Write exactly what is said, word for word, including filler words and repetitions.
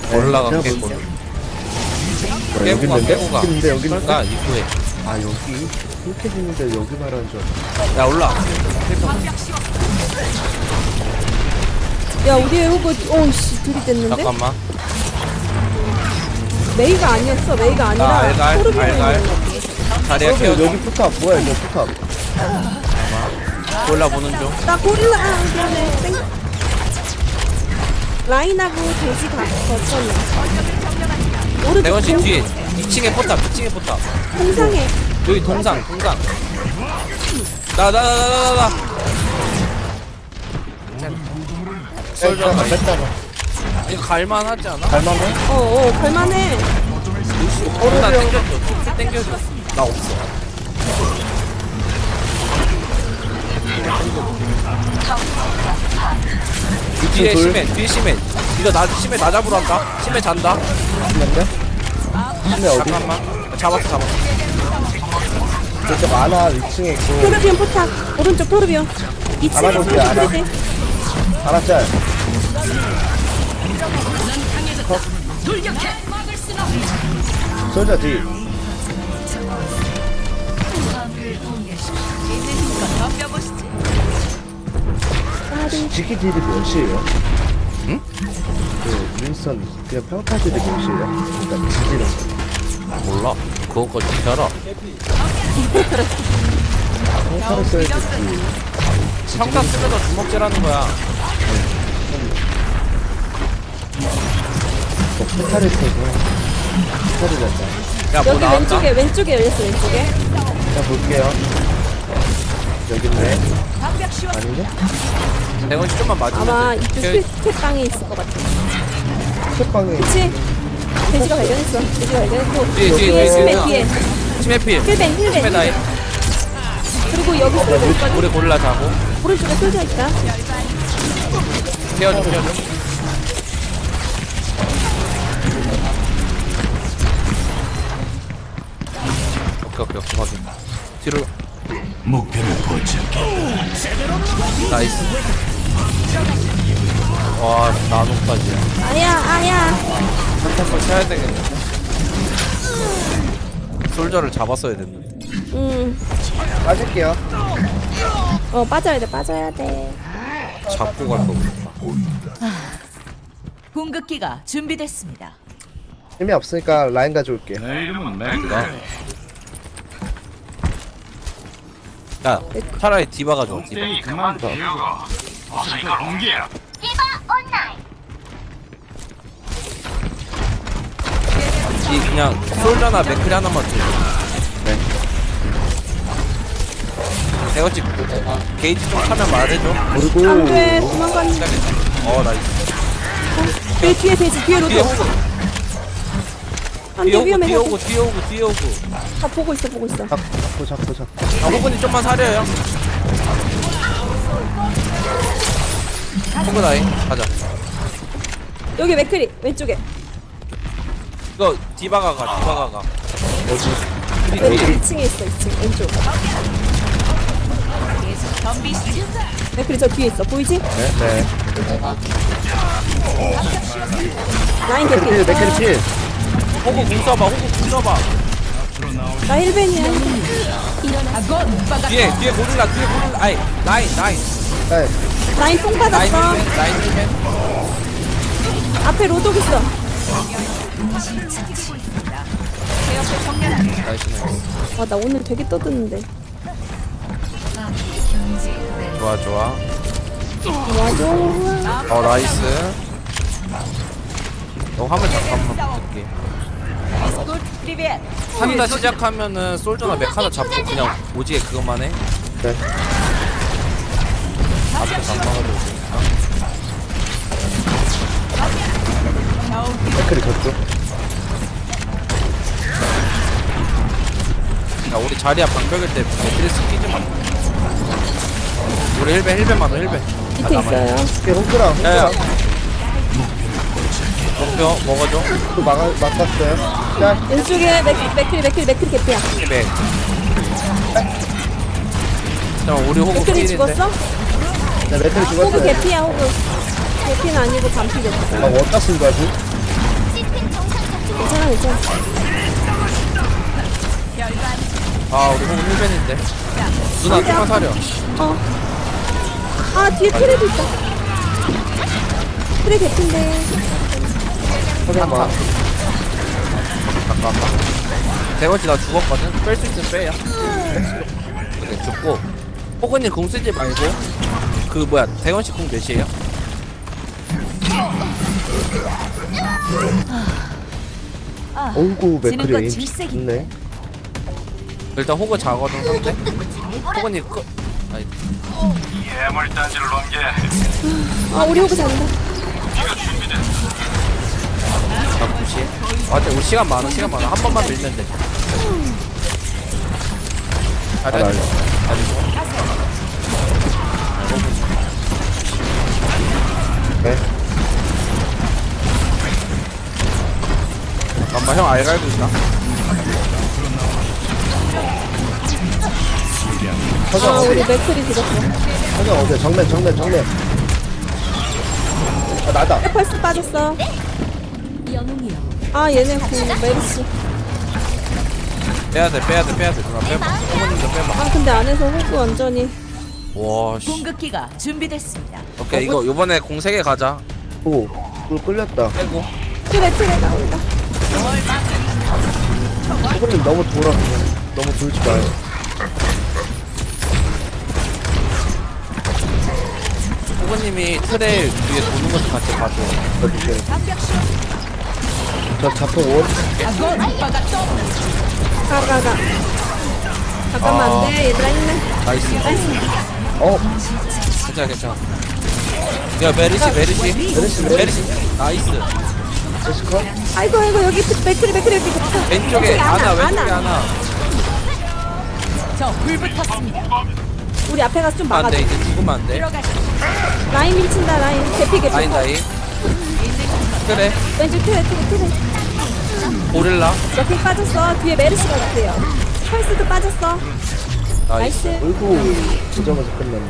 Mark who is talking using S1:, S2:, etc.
S1: 올라가
S2: 제가
S1: 깨고
S2: 볼게요.
S1: 깨고
S2: 여기
S1: 가
S2: 있는데?
S1: 깨고 가
S2: 여기 있는데, 여기 있는데?
S1: 그러니까 입구에
S2: 아 여기 이렇게 있는데 여기 말하는 줄 알았어.
S1: 야 올라
S3: 야 우리의 호그 오씨 들이댔는데?
S1: 잠깐만
S3: 메이가 아니었어 메이가 아니라
S1: 나 알갈,
S3: 토르비온이었는데.
S1: 알갈. 자리야
S2: 여기,
S1: 케어줘
S2: 여기 포탑 뭐야 이거 포탑.
S1: 올라보는 중
S3: 나 고릴라 아 미안해 땡 라인하고 돼지 가 거쳤네 오른쪽
S1: 대건씨
S3: 동-
S1: 뒤에 이 층에 포탑 이 층에 포탑
S3: 동상에
S1: 여기 동상 동상 나 나 나 나 나나
S2: 뺐잖아 뺐잖아.
S1: 이거 갈만하지 않아?
S2: 갈만해?
S3: 어어 갈만해
S1: 어, 나 땡겨줘 쭉 땡겨줘 나 없어 이 뒤에
S2: 둘.
S1: 심해 뒤에 심해 이거 나 심해 나 잡으러 한다 심해 잔다
S2: 맞네? 근데 어디?
S1: 잠깐만 잡았어 잡았어
S2: 저쪽 안아 이 층에 있고.
S3: 토르비온 포탑 오른쪽 토르비온 이 층에
S2: 알아볼게, 알아.
S3: 토르비온
S2: 알았짤. 솔자 뒤. 지키 딜이 몇이에요?
S1: 응?
S2: 그 윈스턴 그냥 평타 딜이 몇이에요? 그러니까 지지는
S1: 몰라 그거까지 어떻게 알아
S2: 평타를 써야지.
S1: 평타 쓰면서 주먹질하는 거야
S2: 뭐 평타를 써서 평타를 낸다.
S1: 야뭐
S3: 여기
S1: 나왔다
S3: 왼쪽에 왼쪽에 열렸어 왼쪽에
S2: 자 볼게요. 여기 있네. 아닌데?
S1: 대건씨 좀만 맞으면
S3: 아마
S1: 돼.
S3: 이쪽
S1: 그-
S3: 스택방에 있을 것 같아
S2: 책방에
S3: 그치? 돼지가 발견했어 돼지가 발견했고
S1: 뒤에, 뒤에,
S3: 뒤에
S1: 뒤에,
S3: 심해
S1: 뒤에.
S3: 뒤에
S1: 치매필
S3: 힐벤 힐벤
S1: 치매 나이
S3: 힐벤 그리고 여기 쏠져 있거든
S1: 우리 골라 자고
S3: 오른쪽에 쏠져 있다
S1: 태워줘 태워줘 오케이 오케이 오케이 확인 뒤로
S4: 목표를 포착해.
S1: 나이스 와 나노까지
S3: 아야 아야
S1: 한번 쳐야 되겠네 솔저를 잡았어야 됐는데
S3: 음어
S2: 빠질게요.
S3: 빠져야 돼 빠져야 돼
S1: 잡고 갈 거구나
S5: 공급기가 준비됐습니다.
S2: 힘이 없으니까 라인 가져올게.
S4: 내 이름은 맥다.
S1: 야 차라리 디바가 좋아 디바
S4: 땡이 그만 비우고. 어서 이거 공개야.
S1: 이 그냥 솔저나 맥크리 하나만 줘 네. 대거치 게이지 좀 차면 말해줘
S2: 그리고
S3: 안돼 도망가는
S1: 어 나이스
S3: 뒤에 뒤에 돼지 뒤에 로드
S1: 뒤에 오고 뒤에
S3: 안돼
S1: 오고
S3: 위험해
S1: 뒤에 오고 뒤에 오고 뒤에 오고
S3: 다 보고 있어 보고 있어
S2: 잡고 잡고 잡고.
S1: 아 호근이 좀만 사려요 호근 아이 가자
S3: 여기 맥크리 왼쪽에
S1: 이거 디바가 가 디바가 가
S2: 어디?
S3: 왼쪽 이 층에 있어 이 층 왼쪽
S5: 덤비 시즌
S3: 맥크리 저 뒤에 있어 보이지?
S2: 네 네.
S3: 라인
S2: 맥크리 필
S3: 개피
S2: 맥크리 필.
S1: 호구 궁 써봐 호구 궁 써봐
S3: 나 힐벤이야
S1: 뒤에 뒤에 고릴라 뒤에 고릴라 아이 라인 라인
S2: 네.
S3: 라인 뽕
S1: 라인
S3: 받았어
S1: 힐맨 라인 힐맨
S3: 앞에 로독 있어
S1: 나이스 나이스
S3: 와 나 오늘 되게 떠드는데
S1: 좋아 좋아
S3: 와줘
S1: 어 나이스 너 화면 잠깐만 볼게
S5: 프리벳
S1: 한다 시작하면은 솔저나 맥 하나 잡고 그냥 오지게 그것만 해
S2: 네.
S1: 앞에 잠깐만
S2: 맥크리 저쪽.
S1: 야 우리 자리야 방벽일 때 매트리스 끼지 마 우리 힐벤 힐벤 맞아 힐벤
S3: 밑에 있어요
S2: 오케이 홍크랑
S1: 야야
S2: 홍크랑
S1: 목표 먹어줘
S2: 또 막아 막았어요. 짤.
S3: 왼쪽에 맥, 맥크리 맥크리 맥크리 개피야
S1: 맥 잠깐 우리 호구
S3: 맥크리
S1: 필인데
S3: 죽었어?
S2: 네 맥크리
S3: 호그
S2: 죽었어요.
S3: 개피야 호그 개피는 아니고 반피겠어
S2: 막 어디다 쓴 거야 지금?
S3: 괜찮아 괜찮아.
S1: 아 우리 호구 힐벤인데 누나 조금만 사려.
S3: 어. 아 뒤에 트레도 있다. 트레 개핀데.
S2: 잠깐만.
S1: 잠깐만. 대건씨 나 죽었거든. 뺄 수 있으면 빼야. 그래 죽고. 호구님 공 쓰지 말고 그 뭐야 대건씨 공 몇이에요?
S2: 어이구
S5: 지는 건
S2: 맥크리
S5: 질색이.
S2: 좋네.
S1: 일단 호구 자거든 상대. 호구님 끄. 아니
S4: 예물단지를 넘겨야 해.
S3: 아 우리 호구 잔다.
S1: 나 무시. 아 근데 우리 시간 많아 시간 많아 한 번만 밀면 돼.
S2: 아,
S1: 잘해.
S2: 나 네.
S1: 잠깐만 형 알갈고 있나?
S2: 서장
S3: 아
S2: 어디?
S3: 우리 맥클이 죽었어.
S2: 서장 어디? 정면 정면 정면. 아 나다.
S3: 펄스 빠졌어. 아 얘네 그 메르시.
S1: 빼야돼 빼야돼 빼야돼 누나 빼봐. 호구님도 빼봐.
S3: 아 근데 안에서 호구 완전히.
S1: 와씨.
S5: 공격기가 준비됐습니다.
S1: 오케이 이거 요번에 공 세 개 가자.
S2: 오, 물 끌렸다.
S1: 빼고.
S3: 트레 트레 나온다.
S2: 호구님 너무 돌아. 너무 돌지 마요.
S1: 호구님이 트레 위에 도는 것도 같이 봐줘.
S2: 어디게? 저 자폭 온.
S3: 가가가. 잠깐만
S1: 아.
S3: 안돼 얘들아 힘내.
S1: 나이스.
S3: 나이스.
S2: 어,
S1: 괜찮아 괜찮아. 야 메르시 메르시
S2: 메르시,
S1: 메르시 나이스.
S2: 제시컷.
S3: 아이고 아이고 여기 맥클이 맥클이 여기 좋다.
S1: 왼쪽에 하나 왼쪽에
S3: 하나.
S1: 하나.
S5: 저 불붙었습니다.
S3: 우리 앞에 가서 좀 막아줘.
S1: 안돼 이제 죽으면 안돼.
S5: 들어가시.
S3: 라인 밀친다 라인. 개피 개피.
S1: 라인 라인. 그래
S3: 왼쪽 트레 트레 트레.
S1: 고릴라.
S3: 여기 빠졌어. 뒤에 메르시가 있대요. 펄스도 빠졌어.
S1: 나이스.
S3: 나이스.
S2: 어이구, 진정해서 끝났네.